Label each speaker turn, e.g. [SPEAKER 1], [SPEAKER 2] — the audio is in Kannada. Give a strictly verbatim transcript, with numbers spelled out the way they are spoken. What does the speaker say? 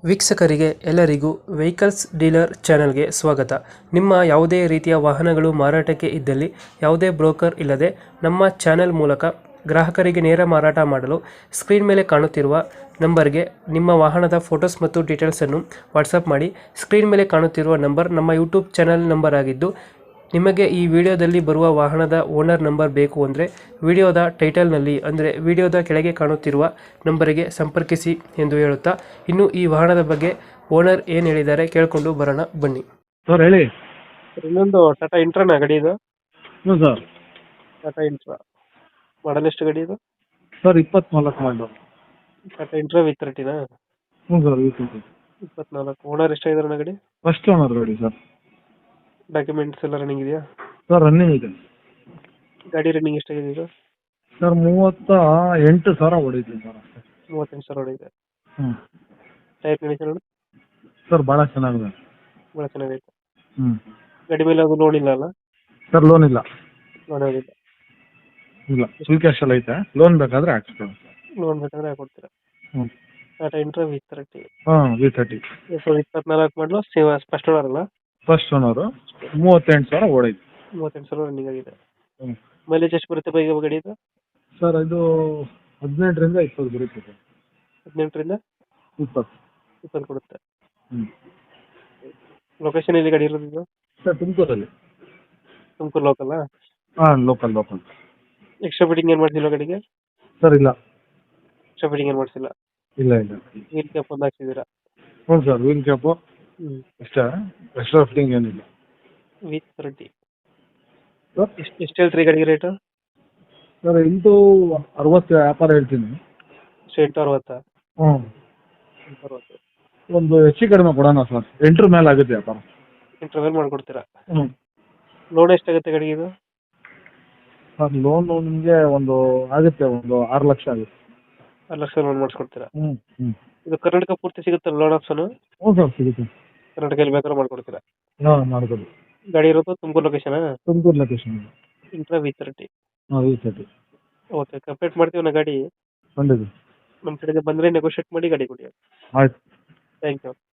[SPEAKER 1] ವೀಕ್ಷಕರಿಗೆ ಎಲ್ಲರಿಗೂ ವೆಹಿಕಲ್ಸ್ ಡೀಲರ್ ಚಾನೆಲ್ಗೆ ಸ್ವಾಗತ. ನಿಮ್ಮ ಯಾವುದೇ ರೀತಿಯ ವಾಹನಗಳು ಮಾರಾಟಕ್ಕೆ ಇದ್ದಲ್ಲಿ ಯಾವುದೇ ಬ್ರೋಕರ್ ಇಲ್ಲದೆ ನಮ್ಮ ಚಾನೆಲ್ ಮೂಲಕ ಗ್ರಾಹಕರಿಗೆ ನೇರ ಮಾರಾಟ ಮಾಡಲು ಸ್ಕ್ರೀನ್ ಮೇಲೆ ಕಾಣುತ್ತಿರುವ ನಂಬರ್ಗೆ ನಿಮ್ಮ ವಾಹನದ ಫೋಟೋಸ್ ಮತ್ತು ಡೀಟೇಲ್ಸನ್ನು ವಾಟ್ಸಪ್ ಮಾಡಿ. ಸ್ಕ್ರೀನ್ ಮೇಲೆ ಕಾಣುತ್ತಿರುವ ನಂಬರ್ ನಮ್ಮ ಯೂಟ್ಯೂಬ್ ಚಾನೆಲ್ ನಂಬರ್ ಆಗಿದ್ದು, ನಿಮಗೆ ಈ ವಿಡಿಯೋದಲ್ಲಿ ಬರುವ ವಾಹನದ ಓನರ್ ನಂಬರ್ ಬೇಕು ಅಂದರೆ ವಿಡಿಯೋದ ಟೈಟಲ್ನಲ್ಲಿ ಅಂದರೆ ವಿಡಿಯೋದ ಕೆಳಗೆ ಕಾಣುತ್ತಿರುವ ನಂಬರಿಗೆ ಸಂಪರ್ಕಿಸಿ ಎಂದು ಹೇಳುತ್ತಾ, ಇನ್ನು ಈ ವಾಹನದ ಬಗ್ಗೆ ಓನರ್ ಏನು ಹೇಳಿದ್ದಾರೆ ಕೇಳಿಕೊಂಡು ಬರೋಣ ಬನ್ನಿ.
[SPEAKER 2] ಸರ್ ಹೇಳಿ.
[SPEAKER 1] ಇನ್ನೊಂದು ಟಾಟಾ ಇಂಟ್ರಾನ ಗಾಡಿ ಇದು?
[SPEAKER 2] ಹ್ಞೂ ಸರ್.
[SPEAKER 1] ಟಾಟಾ ಇಂಟ್ರಾ ಮಾಡಲ್ ಎಷ್ಟು ಗಾಡಿ ಇದು?
[SPEAKER 2] ಸರ್ ಇಪ್ಪತ್ನಾಲ್ಕು ಮಾಡಲು.
[SPEAKER 1] ಟಾಟಾ ಇಂಟ್ರಾ ವಿ ತರ್ಟಿನಾ?
[SPEAKER 2] ಹ್ಞೂ ಸರ್ ವಿ ಟ್ವೆಂಟಿ.
[SPEAKER 1] ಇಪ್ಪತ್ನಾಲ್ಕು. ಓನರ್ ಎಷ್ಟಾಗಿದ್ದಾರೆ ಗಾಡಿ?
[SPEAKER 2] ಫಸ್ಟ್ ಓನರ್ ಗಾಡಿ ಸರ್.
[SPEAKER 1] ಡಾಕ್ಯುಮೆಂಟ್ಸ್ ಎಲ್ಲ ರನ್ನಿಂಗ್ ಇದೆಯಾ?
[SPEAKER 2] ಸರ್ ರನ್ನಿಂಗ್ ಇದೆ.
[SPEAKER 1] ಗಾಡಿ ರನ್ನಿಂಗ್ ಎಷ್ಟಾಗಿದೆ ಇದು?
[SPEAKER 2] ಸರ್ ಮೂವತ್ತ ಎಂಟು ಸಾವಿರ ಹೊಡೀತೀವಿ ಸರ್ ಅಷ್ಟೇ.
[SPEAKER 1] ಮೂವತ್ತೆಂಟು ಸಾವಿರ ಹೊಡಿದೆ.
[SPEAKER 2] ಹ್ಞೂ.
[SPEAKER 1] ಟೈರ್ ಕಂಡೀಷನ್
[SPEAKER 2] ಸರ್ ಭಾಳ ಚೆನ್ನಾಗಿದೆ.
[SPEAKER 1] ಭಾಳ ಚೆನ್ನಾಗೈತೆ.
[SPEAKER 2] ಹ್ಞೂ.
[SPEAKER 1] ಗಾಡಿ ಮೇಲೆ ಅದು ಲೋನ್ ಇಲ್ಲ ಅಲ್ಲ?
[SPEAKER 2] ಸರ್ ಲೋನ್ ಇಲ್ಲ.
[SPEAKER 1] ಲೋನ್ ಆಗಿದೆ.
[SPEAKER 2] ಇಲ್ಲ, ಫುಲ್ ಕ್ಯಾಶ್ ಎಲ್ಲ ಐತೆ. ಲೋನ್ ಬೇಕಾದರೆ ಹಾಕ್ಸ್ಕೊಳ್ಳಿ.
[SPEAKER 1] ಲೋನ್ ಬೇಕಾದ್ರೆ ಹಾಕೊಡ್ತೀರಾ?
[SPEAKER 2] ಹ್ಞೂ.
[SPEAKER 1] Tata intra V thirty.
[SPEAKER 2] ಹಾಂ ವಿ ತರ್ಟಿ.
[SPEAKER 1] ಎರಡು ಸಾವಿರದ ಇಪ್ಪತ್ನಾಲ್ಕು ಮಾಡಲು ಫಸ್ಟ್ ಓನರ್ ಅಲ್ಲ?
[SPEAKER 2] First owner. ಮೂವತ್ತೆಂಟು ಸಾವಿರ ಹೊಡೈತೆ.
[SPEAKER 1] ಮೂವತ್ತೆಂಟು ಸಾವಿರ ರನ್ನಿಂಗ್ ಆಗಿದೆ.
[SPEAKER 2] ಹ್ಞೂ.
[SPEAKER 1] ಮೈಲೇಜ್ ಎಷ್ಟು ಬರುತ್ತೆ ಬೈಕ್ ಗಾಡಿ ಇದು?
[SPEAKER 2] ಸರ್ ಇದು ಹದಿನೆಂಟರಿಂದ ಇಪ್ಪತ್ತು ಬರುತ್ತೆ ಸರ್.
[SPEAKER 1] ಹದಿನೆಂಟರಿಂದ
[SPEAKER 2] ಇಪ್ಪತ್ತು.
[SPEAKER 1] ಇಪ್ಪತ್ತು ಕೊಡುತ್ತೆ.
[SPEAKER 2] ಹ್ಞೂ.
[SPEAKER 1] ಲೊಕೇಶನ್ ಎಲ್ಲಿ ಗಾಡಿ ಇರೋದು ಇದು?
[SPEAKER 2] ಸರ್ ತುಮಕೂರಲ್ಲಿ.
[SPEAKER 1] ತುಮಕೂರು ಲೋಕಲ್ಲ?
[SPEAKER 2] ಹಾಂ ಲೋಕಲ್ ಲೋಕಲ್.
[SPEAKER 1] ಎಕ್ಸ್ಟ್ರಾ ಫಿಟ್ಟಿಂಗ್ ಏನು ಮಾಡ್ಸಿಲ್ಲ ಗಾಡಿಗೆ?
[SPEAKER 2] ಸರ್ ಇಲ್ಲ.
[SPEAKER 1] ಎಕ್ಸ್ಟ್ರಾ ಫಿಟ್ಟಿಂಗ್ ಏನು ಮಾಡಿಸಿಲ್ಲ?
[SPEAKER 2] ಇಲ್ಲ ಇಲ್ಲ.
[SPEAKER 1] ವೀಲ್ ಕ್ಯಾಪ್ ಒಂದು ಹಾಕ್ಸಿದ್ದೀರಾ?
[SPEAKER 2] ಹ್ಞೂ ಸರ್ ವೀಲ್ ಕ್ಯಾಪು
[SPEAKER 1] ಹ್ಞೂ.
[SPEAKER 2] ಅಷ್ಟೇ, ಎಕ್ಸ್ಟ್ರಾ ಫಿಟ್ಟಿಂಗ್ ಏನಿಲ್ಲ.
[SPEAKER 1] V thirty.
[SPEAKER 2] ಸರ್
[SPEAKER 1] ಎಷ್ಟು ಎಷ್ಟು ಹೇಳ್ತೀರಿ ಗಾಡಿಗೆ ರೇಟು?
[SPEAKER 2] ಸರ್ ಎಂಟು ಅರವತ್ತು ವ್ಯಾಪಾರ ಹೇಳ್ತೀನಿ.
[SPEAKER 1] ಎಷ್ಟು ಎಂಟು ಅರವತ್ತಾ?
[SPEAKER 2] ಹ್ಞೂ.
[SPEAKER 1] ಎಂಟು ಅರವತ್ತು.
[SPEAKER 2] ಒಂದು ಹೆಚ್ಚು ಕಡಿಮೆ ಕೊಡೋಣ ಸರ್. ಎಂಟರ ಮೇಲೆ ಆಗುತ್ತೆ ವ್ಯಾಪಾರ.
[SPEAKER 1] ಎಂಟರ ಮೇಲೆ ಮಾಡಿಕೊಡ್ತೀರಾ?
[SPEAKER 2] ಹ್ಞೂ.
[SPEAKER 1] ಲೋನ್ ಎಷ್ಟಾಗುತ್ತೆ ಗಾಡಿಗೆ ಇದು?
[SPEAKER 2] ಸರ್ ಲೋನು ನಿಮಗೆ ಒಂದು ಆಗುತ್ತೆ, ಒಂದು ಆರು ಲಕ್ಷ ಆಗುತ್ತೆ.
[SPEAKER 1] ಆರು ಲಕ್ಷ ಲೋನ್ ಮಾಡಿಸ್ಕೊಡ್ತೀರಾ?
[SPEAKER 2] ಹ್ಞೂ ಹ್ಞೂ.
[SPEAKER 1] ಇದು ಕರ್ನಾಟಕ ಪೂರ್ತಿ ಸಿಗುತ್ತಲ್ಲ ಲೋನ್ ಆಪ್ಷನು?
[SPEAKER 2] ಹ್ಞೂ ಸರ್ ಸಿಗುತ್ತೆ.
[SPEAKER 1] ಕರ್ನಾಟಕ ಎಲ್ಲಿ ಬೇಕಾದ್ರೂ ಮಾಡ್ಕೊಡ್ತೀರಾ?
[SPEAKER 2] ಹಾಂ ಮಾಡ್ಬೋದು.
[SPEAKER 1] ಗಾಡಿ ಇರೋದು ತುಮಕೂರು ಲೊಕೇಶನಾ?
[SPEAKER 2] Tumakuru location.
[SPEAKER 1] Intra V thirty.
[SPEAKER 2] ಹಾಂ ವಿ ತರ್ಟಿ.
[SPEAKER 1] ಓಕೆ, ಕಂಪ್ಲೀಟ್ ಮಾಡ್ತೀವಿ ನಾ ಗಾಡಿ.
[SPEAKER 2] ಖಂಡಿತ.
[SPEAKER 1] ನಮ್ಮ ಕಡೆಗೆ ಬಂದರೆ ನೆಗೋಷಿಯೇಟ್ ಮಾಡಿ ಗಾಡಿ ಕೊಡಿ.
[SPEAKER 2] ಆಯ್ತು.
[SPEAKER 1] Thank you.